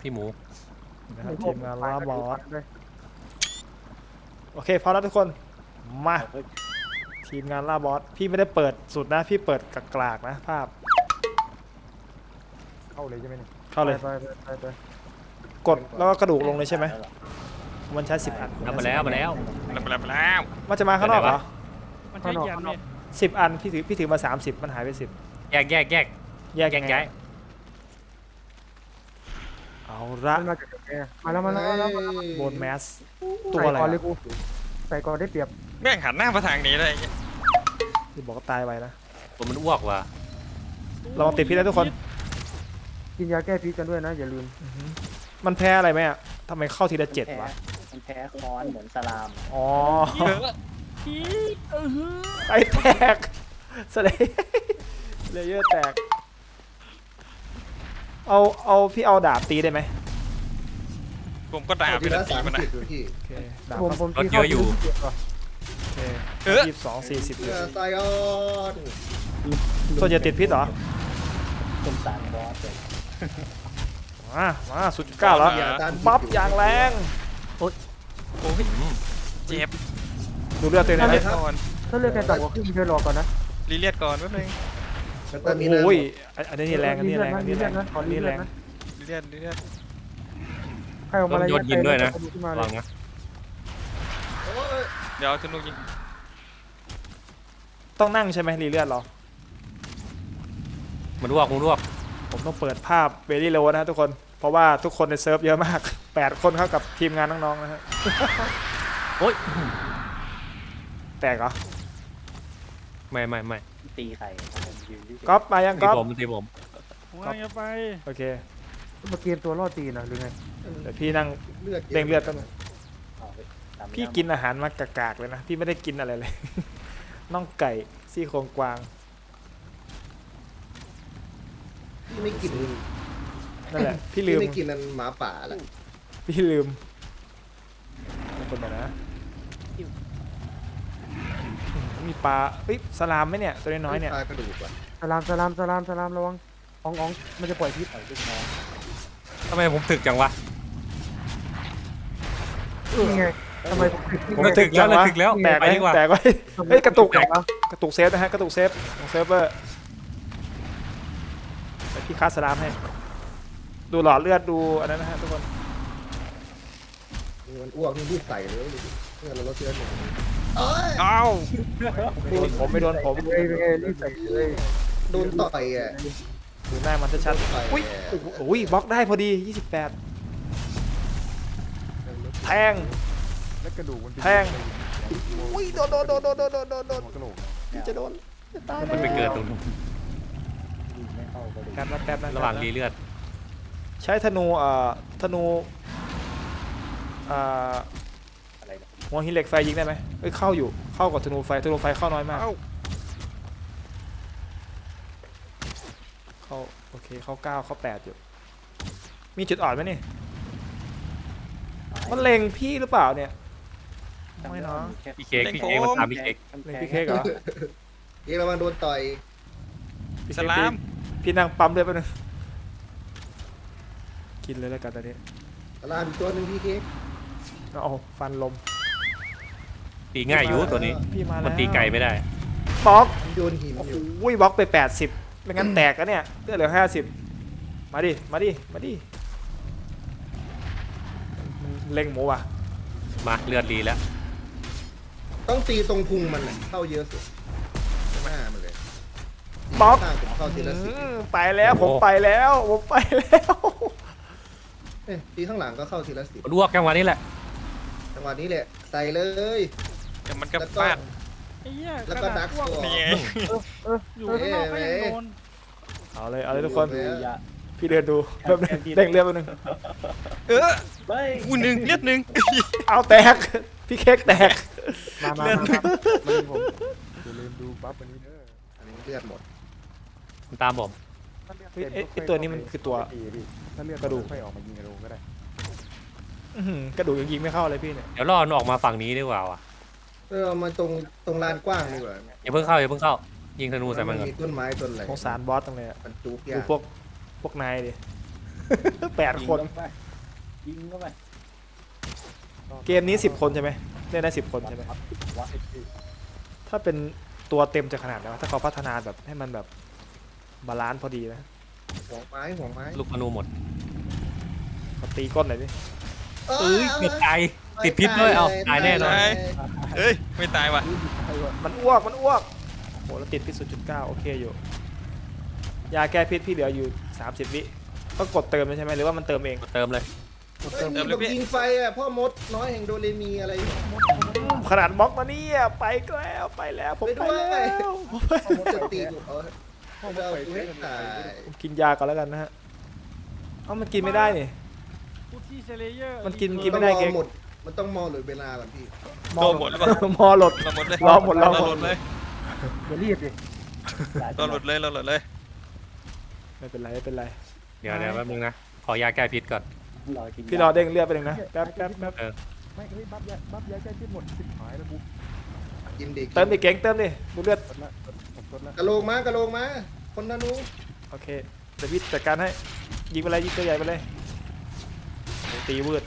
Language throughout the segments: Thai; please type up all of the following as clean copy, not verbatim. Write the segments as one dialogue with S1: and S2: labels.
S1: พี่หมู
S2: นะครับทีมงานล่าบอสโอเคพร้อมแล้วทุกคนมาทีมงานล่าบอสพี่ไม่ได้เปิดสุดนะพี่เปิดกลากๆนะภาพ
S3: เข้าเลยใช่ไหมเนี่ย
S2: เข้าเลย
S3: ไป
S2: กดแล้วก็กระดูกลงเลยใช่ไหมมันใช้10 อัน
S1: มาแล้วมาแล้ว
S2: มันจะมาข้างนอกเหรอ
S4: มันใช้ยันเนี่ย
S2: 10 อันพี่ถือมา30มันหายไป10
S1: แยก
S2: แยก
S1: แย
S2: ยัง
S1: ก
S2: ไง
S1: ย้าย
S2: เอาละ
S3: มันมาจากไหนมาแล้ว
S2: โบนแมสตัวอะไร
S3: ใส่ก่อนเลยกูใส่ก่อนได้เปรียบ
S5: แม่งหันหน้ามาทางนี้เลย
S2: ที่บอกก็ตายไปนะ
S1: ตัวมันอ้วกว่ะ
S2: เราติดพิษแล้วทุกคน
S3: กินยาแก้พิษกันด้วยนะอย่าลืม
S2: มันแพ้อะไรไหมอ่ะทำไมเข้าทีละ7วะ
S6: มันแพ้ค้อนเหมือนสลาม
S2: อ๋อ
S4: พี่
S2: ไอแตกสเลเลเยอร์แตกเอาพี่เอาดาบตีได้ไหม
S5: ผมก็ด่าไป
S7: ที
S5: แล้
S7: ละ
S5: วตี
S7: 30
S5: มันนะ
S7: อยู่พี่
S2: โอเคดาบ
S3: ผม
S2: ก็
S3: ตีเข้าอยู่
S2: โอเค
S5: เออ
S2: 22 40
S7: เพื่อไซออน
S2: ส่วนใหญ่ติดพิษเหรอ
S6: เป็นสารบอสเลย
S2: มา0.9แล้วปั๊บอย่างแรง
S5: โอ้ยเจ็บ
S2: ดูเลือดตัวเองห
S5: รี
S2: นะ
S5: เลียดก่อน
S3: ถ้าเลือกแค่ต่ำกว่าครึ่งเธอรอก่อนนะ
S5: รีเลียดก่อนแป๊บนึง
S7: แล้วก็มีนะ
S2: โอ้ยอันนี้แรงอันนี้แรงอันนี้แรง
S3: ขอ
S2: อัน
S3: รี
S2: นี้
S3: เลื
S2: แร
S3: อด
S2: ง
S3: นะ
S5: รีเลียดรีเลียด
S3: ใครออกมาอะไร
S1: โยนยินด้วยนะ
S3: ขึ้นมา
S1: ระ
S3: เล
S1: วั
S3: ย
S1: งนะ
S5: เดี๋ยวเอาธนูยิง
S2: ต้องนั่งใช่ไหมรีเลือดเหรอ
S1: มันอ้วกมันอ้วก
S2: ผมต้องเปิดภาพเบลี่โลนะทุกคน เพราะว่าทุกคนในเซิร์ฟเยอะมาก 8 คนเข้ากับทีมงานน้องๆนะฮะ
S1: โอ๊ย
S2: แตกเหรอ
S1: ไม่
S6: ตีไข่ผมยืนที่
S2: ก๊อฟมายัง
S1: ตี
S2: ก๊อฟ
S1: ผมตีผม
S4: ผมกำลังจะไป
S2: โอเค
S3: มาเกมตัวรอดตีนะหรือไง
S2: เดี๋ยวพี่นั่ง
S7: เลือด
S2: เด้งเลือดกันง
S6: เอาไปตาม
S2: พี่กินอาหารมากากๆเลยนะ พี่ไม่ได้กินอะไรเลย น่องไก่ซี่โครงกวาง
S7: พี่ไม่กิน
S2: นั่นแหละ พี่
S7: พี่
S2: ลืม
S7: ไม่กินนันหมาป่าแหละ
S2: พี่ลืมคนไปนะมีปลาเอ้ยสลามไหมเนี่ยตัวน้อยๆเนี่ย
S7: ปลากระดูกอ่ะ
S3: สลามระวังอ๋องมันจะปล่อยพิษ
S1: ทำไมผมถึกจังวะ
S3: นี่ไงทำไมผม
S1: มันถึกแล้วถึกแล้ว
S2: แตก
S1: ไป
S2: ไว้
S1: ดีกว่า
S2: แตกไว้เฮ้ยกระตุก
S1: แตก
S2: กระตุกเซฟนะฮะกระตุกเซฟของเซิร์ฟเวอร์ไปพี่คาสลามให้ ดูหลอดเลือดดูอันนั้นนะฮะทุกคน
S7: มันอ้วกนี่รีบใส่เลยเพื่อเราลดเชื้อหนึ่งเอ้ย
S5: เอ้า
S2: โดนผมไม่โดนผม
S3: เลยรีบใส่เลย
S7: โดนต่อยอ่ะ
S2: ดูหน้ามันชัด
S7: ต่อย
S2: ๆอุ้ยโอ้ยบล็อกได้พอดี 28 แทง
S3: แล้วกระดูกมัน
S2: แทง อุ้ยโดนพี่จะโดนจะตาย
S1: มันไปเกิดตรงนู้น
S6: ยิงไม่เข้าก็เลย
S2: แป๊บนะแป๊บนะ
S1: ระหว่างรีเลือด
S2: ใช้ธนูธนูอ่า
S6: อะไรนะ
S2: หัวหินเหล็กไฟยิงได้ไหมเอ้ยเข้าอยู่เข้ากับธนูไฟเข้าน้อยมาก
S5: เอ้า
S2: เข้าโอเคเข้า9เข้า8อยู่มีจุดอ่อนไหมนี่มันเล็งพี่หรือเปล่าเนี่ยไม่เนาะ
S1: พี่เค้กมันตามพี่เค้ก
S2: เล็งพี่เค้กเหรอ
S7: เอ๊ะระวังโดนต่อย
S2: พี่
S5: ส
S2: เค้ก
S5: ลาม
S2: พี่นั่งปั๊มด้วยแป๊บนึงกินเลยแล้วกันตอนนี้
S7: ลามอีกตัวหนึ่งพี่เค้ก
S2: เอาฟันลม
S1: ตีง่ายอยู่ตัวนี้
S2: พี่มา
S1: มั
S2: แล้
S1: น
S2: ว
S1: ตีไก่ไม่ได้
S2: บล็อก
S7: โยนหิน
S2: โอ้
S7: อยู่
S2: โหบล็อกไป80ไม่งั้นแตกอะเนี่ยเลือดเหลือ50มาดิมันเล็งหมูว่ะ
S1: มาเลือดรีแล้ว
S7: ต้องตีตรงพุงมันน่ะเข้าเยอะสุดหน้ามันเลย
S2: บล็อก
S7: ข้างผมเข้าทีละสิบ
S2: ไปแล้วผมไปแล้ว
S7: เอ๊ะตีข้างหลังก็เข้าทีละสิบ
S1: มันอ้วกจังหวะนี้แหละ
S7: จังหวะนี้แหละใส่เลย
S5: เดี๋ยวมันก็
S7: แล้วก็
S5: ฟาด
S4: ไอ้เหี้ย
S7: แล้วก็ดัก
S4: พวก
S7: ตัว
S5: นี่ไง
S4: อยู่ข้างนอกก็ยังโดน
S2: เอาเลยทุกคน
S7: เออ
S2: พี่เดินดูแป๊บนึงเด้งเลือดแป๊บนึง
S5: เออ
S6: เฮ้ย
S5: อู้หนึ่งเลือดหนึ่ง
S2: เอาแตกพี่เค้กแตก
S3: มาผมอย่าลืมดูบัฟอันนี้เด้อ
S7: อันนี้เลือดหมด
S1: มันตามผม
S2: ไอตัวนี้มันคือตัว
S3: ถ้าเลือด
S2: กระดูก
S3: ค่อยออกมายิงกระดูกก็ได้
S2: อื้อหือกระดูกยังยิงไม่เข้าเลยพี่เนี่ย
S1: เดี๋ยวรอมันออกมาฝั่งนี้ดีกว่าว่ะ
S7: เอามาตรงลานกว้างดีกว่า
S1: อย่าเพิ่งเข้ายิงธนูใส่มันก่อน
S7: มีต้นไม้ต้นอะไร
S2: สงสารบอสตรงเลยอะ
S7: มันจุก
S2: ดู
S7: ยาก
S2: พวกนายดิ 8 คน
S6: ยิงเข้าไป
S2: เกมนี้10 คนใช่ไหมเล่นได้10 คนใช่ไหม
S6: วัด
S2: ถ้าเป็นตัวเต็มจะขนาดไหนวะถ้าเขาพัฒนาแบบให้มันแบบบาลานซ์พอดีนะ
S7: หัวไม้หัวไม้
S1: ลูกธนูหมด
S2: เขาตีก้นหน่อยดิ
S1: เอ้ยเกือบตายติดพิษด้วยเอาตายแน่นอน
S5: เฮ้ย ไม่ตายว่ะ
S2: มันอ้วกโหแล้วติดพิษ 0.9 โอเคอยู่ ยาแก้พิษพี่เหลืออยู่30 วิต้องกดเติมเลยใช่ไหมหรือว่ามันเติมเอง
S1: เติมเลย
S7: เฮ้ยมีแบบยิงไฟอ่ะพ่อมดน้อยแห่งโดเรมีอะไร
S2: ขนาดบล็อกมาเนี่ยไปแล้วผม
S7: ไป
S2: ไป
S7: ด้วย
S2: แล้ว
S7: พ่อมดจะตีกูพ่อมดเอากูให้ตาย
S2: ผมกินยาก่อนแล้วกันนะฮะเอ้ามันกินไม่ได้นี่
S4: พูดที่เซเลเยอร์
S2: มันกิน
S7: มันต้องรอหมดมันต้องมอหรือเวลาก่อนพี่
S5: โดนหมดหรือเปล่า
S2: มอหลด
S5: เราหมดเลย
S2: รอหมด
S5: เราหมดเลย
S3: อย่ารีบดิ
S5: เราหมดเลยเราหมดเลย
S2: ไม่เป็นไรไม่เป็นไร
S1: เดี๋ยวแป๊บนึงนะขอยาแก้พิษก่อน
S6: รอกิน
S2: พี่รอเด้งเลือดไปหนึ่งนะแป๊บ
S3: ไม่เฮ้ยบัฟยาแก้พิษหมดสิบหายแล้วกู
S7: กินเด็ก
S2: เติมดิเก่งเติมดิดูเลือด
S3: กดละผมกดละ
S7: กระโหลกมากระโหลกมาคนนานู
S2: โอเคเดี๋ยวพี่จัดการให้ยิงไปเลยยิงตัวใหญ่ไปเลยโอ้ตีวืด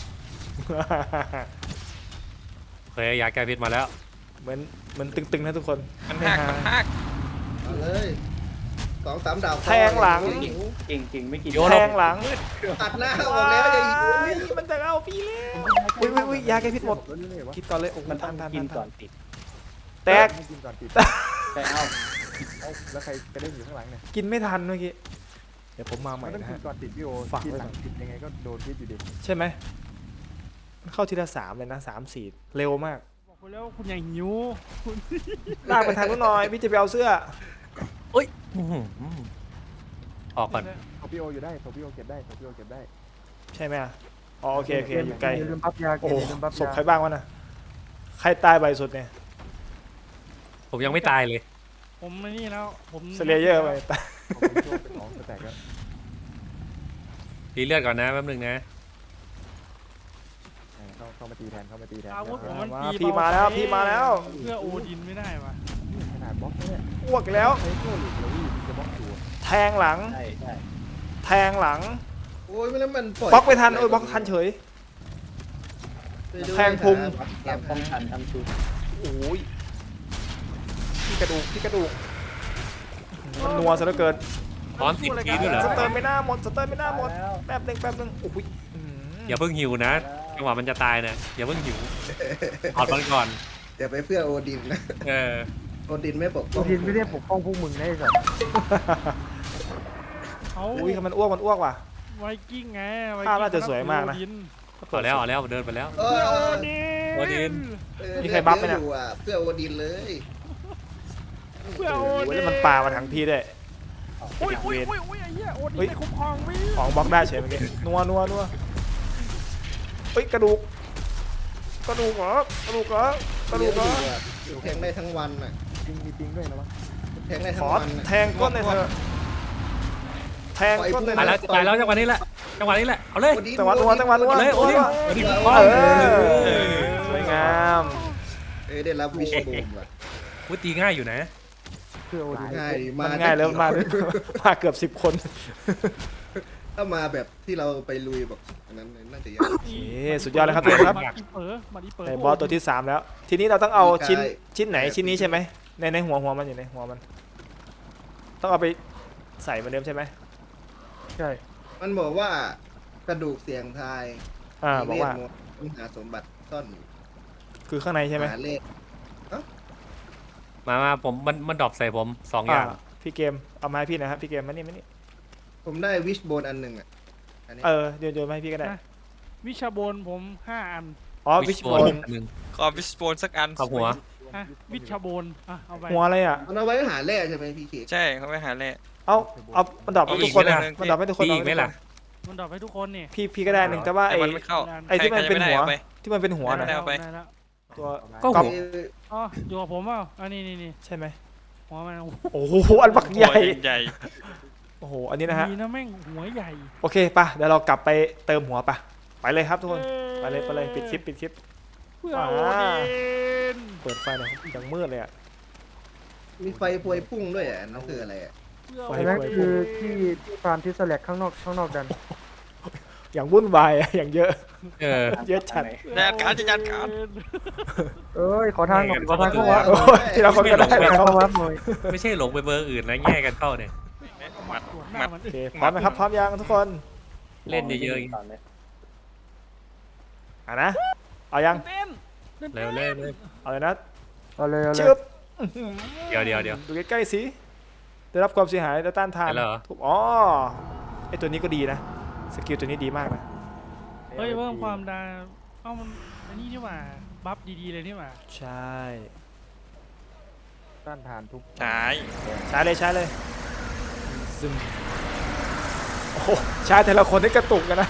S1: โอเคยาแก้พิษมาแล้ว
S2: เหมือนตึงๆนะทุกคน
S5: มันหักมันหัก
S7: เอาเลย2-3 ดาว
S2: แทงหลัง
S6: เก่งไม่กิน
S2: แทงหลัง
S7: ตัดหน้าออกแล้วอย่ายิง
S2: มันจะเอาพี่แล้วอุ้ยยาแก้พิษหมด
S3: แล้วนี่เลยวะ
S2: คิดก่อนเลยโอ้
S6: มั
S2: มัน น
S6: ต้อ
S2: ทั
S6: ง
S2: นทัน
S6: กิน
S2: ทั
S6: ก่อน นติด
S2: แตก
S3: ไม่กินก่อนติด
S6: แต่เอา
S3: เอาแล้วใครกระเด้งอยู่ข้างหลังเนี่ย
S2: กินไม่ทันเมื่อกี้เดี๋ยวผมมาใหม่
S3: มันต้อง
S2: นะ
S3: กิน
S2: ฮะ
S3: ก่อนติดพี่โอ
S2: ฝาก
S3: กิน
S2: ไว้
S3: หลั
S2: ก่อน
S3: งติดยังไงก็โดนพิษอยู่ดี
S2: ใช่ไหมมันเข้าทีละ3เลยนะ3-4เร็วมาก
S4: บอกคุณแล้วคุณอย่าหิวคุณ
S2: ลากไปทางนู้นหน่อยพี่จะไปเอาเสื้อ
S1: อื้อหือออกก่อน
S3: โทพี่โออยู่ได้โทพี่โอเก็บได้โทพี่โอเก็บได้
S2: ใช่ไหมอ่ะอ๋อโอเคอยู่ไกล
S3: อย่าลืมบัฟยา
S2: โอ้โห
S3: ย่าลืมบัฟ
S2: ศพ
S3: ยา
S2: ใครบ้างวะน่ะใครตายบ่อยสุดเนี่ย
S1: ผมยังไม่ตายเลย
S4: ผมไอ้นี่แล้วผม
S2: สเลเยอร์ไปตาย
S3: ผมเป็นช่วงเป็นของแตกแล้ว
S1: รีเลือดก่อนนะแป๊บนึงนะ
S3: เข้ามาตีแทนเข้ามาตีแทน
S4: อาวุธผมมัน
S2: มา
S4: ตี
S2: พี่
S4: เบ
S2: มาแล้ว
S4: ไป
S2: พี่มาแล้ว
S4: เพื่อโอดินไม่ได้วะ
S3: ขนาดบล็อกเนี่ย
S2: อ้วกอีกแล้ว
S3: ใช้โซ่หลุดเลยจะบล็อกอยู่
S2: แทงหลัง
S6: ใช่ใช่
S2: แทงหลัง
S7: โอ้ยไม่แล้วมันปล่อย
S2: บล็อกไม่ทันโอ้ยบล็อกทันเฉย แทงพุง
S6: แอบป้องกันทั้งชุด
S2: โอ้ยพี่กระดูกมันนัวซะเหลือเกิน
S1: ตอนติดพีด้วยเหรอ
S2: สเตอร์ไม่น่าหมดแป๊บนึงโอ้ย
S1: อย่าเพิ่งหิวนะจังหวะมันจะตายนะอย่าเพิ่งหิวถอดมันก่อน
S7: เดี๋ยวไปเพื่อโอดินนะ
S1: เออ
S7: โอดินไม่ปกป้
S3: กู
S7: อง
S3: ทินไม่ได้ปกป้องพวกมึงได้สัตว์
S4: เขา
S2: อุ้ยมันอ้วกว่ะ
S4: ไวกิ้งไงไว
S2: ภาพ
S4: กิ้ง
S2: น่าจะสวยมากนะ
S4: โอดิ
S1: เอาแล้วเดินไปแล้ว
S7: เอ
S4: เพื่อโอ
S7: อ
S4: ดิน
S1: โอดิน
S7: เออ
S2: มีใครบัฟไหมเนี่ย
S7: อยู่อ่ะเพื่อโอดินเลย
S4: เพื่อโอ
S2: โอ้ย
S4: ดิน
S2: แล้วมันปามาทั้งพี่ด้วย
S4: อุ้ยไอ้เหี้ยโอดินไม่คุ้มครองวิ
S2: ของบล็อกได้เฉยเมื่อกี้นัวเฮ้ยกระดูกเหรอกระดูกเหรอ
S7: อยู่แทงได้ทั้งวันน่ะ
S3: ปิงมีปิงด้วยนะวะ
S7: แทงได้
S2: ข
S7: ทั้ง
S2: อ
S7: วันน่ะ
S2: แทงก้นเลยเธอแทงก้นเลย
S1: ตาย
S2: เธ
S1: แล้ว
S2: อ
S1: ตายแล้วจังหวะนี้แหละเอาเลย
S7: โอดิน
S2: จังหวะนัว
S1: เลยโอ้ดิโอ้ดิ
S2: สวยงาม
S7: เอ้ยได้รับวิชบูมว่ะ
S1: วุ้ตีง่ายอยู่นะ
S3: เพื่อโอดิน
S7: ง่าย
S2: มันง่ายแล้วมาเกือบ10 คน
S7: ถ้ามาแบบที่เราไปลุยแบบอันนั้นน่าจะยาก
S2: โอเคสุดยอดเลยครับทุกคนครับ
S4: มาอีเป๋อมาอีเป๋อ
S2: ในบอสตัวที่ 3 แล้ว ทีนี้เราต้องเอาชิ้นไหนชิ้นนี้ใช่ไหมในหัวมันอยู่ในหัวมัน ต้องเอาไปใส่เหมือนเดิมใช่ไหม
S3: ใช่
S7: มันบอกว่ากระดูกเสียงทาย
S2: บอกว่า
S7: มีเวทมนต์ต้องหาสมบัติซ่อนอยู่
S2: คือข้างในใช่ไหม
S7: หาเลข
S1: มาผมมันดรอปใส่ผม2อย่าง
S2: พี่เกมเอามาให้พี่หนะครับพี่เกมมานี่
S7: ผมได้วิชโบนอันหนึ่งอ่ะอันนี้
S2: โยนมาให้พี่ก็ได้
S4: วิชาบนผม5 อัน
S2: อ๋อวิชบอล
S1: หนึ่ง
S5: ขอวิสโปนสักอัน
S1: ขอบหัว
S4: ฮะวิชาบนอ่ะเอาไป
S2: หัวอะไรอ่ะ
S7: มันเอาไว้หาแร่ใช่ไหมพี่เขต
S5: ใช่เขาไปหาแร่
S2: เอามันดรอปให้ทุกคนนะ
S5: เอาอีก
S2: มันดรอปให้ทุกคน
S1: ตีอีกไหมล่ะ
S4: มันดรอปให้ทุกคนนี่
S2: พี่ก็ได้หนึ่งแต่ว่า
S5: แต่มันไม่เข้า
S2: ไอ้ที่มันเป็นหัว
S5: ใครจะไม่ได้เอาไป
S2: ที่มันเป็นหัว
S5: ไม่
S2: นะ
S5: ได้ เอาไป
S4: ด้แล้ว
S2: ตัว
S1: ก็
S2: ก๊อป
S1: หัว
S4: อ๋ออยู่กับผมเปล่าอันนี้นี่
S2: ใช่ไหม
S4: หัวมัน
S2: โอ้โหอันบักใหญ่
S5: หัวใหญ่
S2: โอ้โหอันนี้นะฮะ
S4: ดีนะแม่งหัวใหญ่
S2: โอเคป่ะเดี๋ยวเรากลับไปเติมหัวป่ะไปเลยครับทุกคนไปเลยปิดคลิป
S4: เพื่อโอดิน
S2: เปิดไฟหน่อยยังมืดเลยอ่ะ
S7: มีไฟพวยพุ่งด้วยอ่ะนั่นคืออะไรอ่ะ
S2: ไฟ
S3: อันนั้นคือที่ฟาร์มที่สแลกข้างนอกดัน
S2: อย่างวุ่นวายอะอย่างเยอะ
S1: เออ
S2: เยอะจัด
S5: จัดการจะจัดการ
S3: เอ้ยขอทางหน่อยขอทางเข้าวัด
S2: โอ้ยที่เราคนก็ได้
S3: ขอ
S2: นะ
S3: ทาง
S2: ครับ
S3: เข้าวัดหน่อย
S1: ไม่ใช่หลงไปเบอร์อื่นนะแย่กันเข้าเนี่ย
S4: สวนหน้ามัน
S2: โอเคพร้อมไหมครับพร้อมยังทุกคน
S1: เล่นเยอะ
S6: ก่อนเลย
S2: อ่ะนะเอายัง
S4: เต้น
S1: เร็วเร็ว
S2: เอาเลยนะ
S3: เอาเลย
S2: ชึบ
S1: เดี๋ยว
S2: ดูใกล้ๆสิได้รับความเสียหายและต้านทาน
S1: ไปแล้วเหรอ
S2: ทุบอ๋อไอตัวนี้ก็ดีนะสกิลตัวนี้ดีมากนะ
S4: เฮ้ยเพิ่มความดังเอ้ามันอันนี้นี่หว่าบัฟดีๆเลยนี่หว่า
S2: ใช่
S3: ต้านทานทุก
S5: ใช่
S2: ใช้เลยซึมโอ้โหใช้แต่ละคนนี่กระตุกกันนะ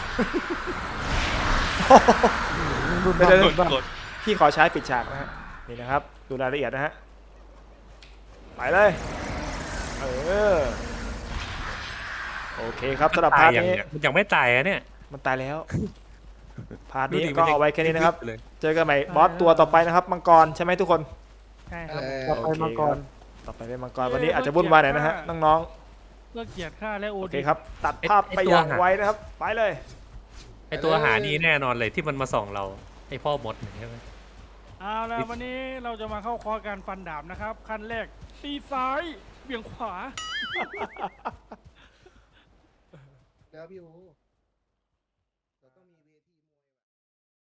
S3: รุ่น
S2: เดี๋ยว
S5: กดกด
S2: พี่ขอใช้ปิดฉากนะฮะนี่นะครับดูรายละเอียดนะฮะไปเลย เออโอเคครับสำหรับ
S1: ตา
S2: พาย ร์ท
S1: อย่าง
S2: นี้
S1: เนี้ยมันยังไม่ตายอะเนี่ย
S2: มันตายแล้ว พาร์ท
S1: ดู
S2: นี้
S1: ดิ
S2: ก็เอาไว้แค่นี้นะครับ
S1: เลย
S2: เจอกันใหม่บอสตัวต่อไปนะครับมังกรใช่ไหมทุกคน
S4: ใช่ครับ
S3: ต่อไปมังกร
S2: ต่อไปเป็นมังกรวันนี้อาจจะวุ่นวายหน่อยนะฮะน้อง
S4: เลิกเกียรติค่าและโอ
S2: ๆโอเค
S4: ดี
S2: ครับตัดภาพไปอย่างไวนะครับไปเลย
S1: ไอตัวหานี่แน่นอนเลยที่มันมาส่องเราไอพ่อมดเนี่ยใช่ไหม
S4: เอาแล้ววันนี้เราจะมาเข้าคอร์สการฟันดาบนะครับขั้นแรกตีซ้ายเบี่ยงขวา
S7: แล้วพี่โอ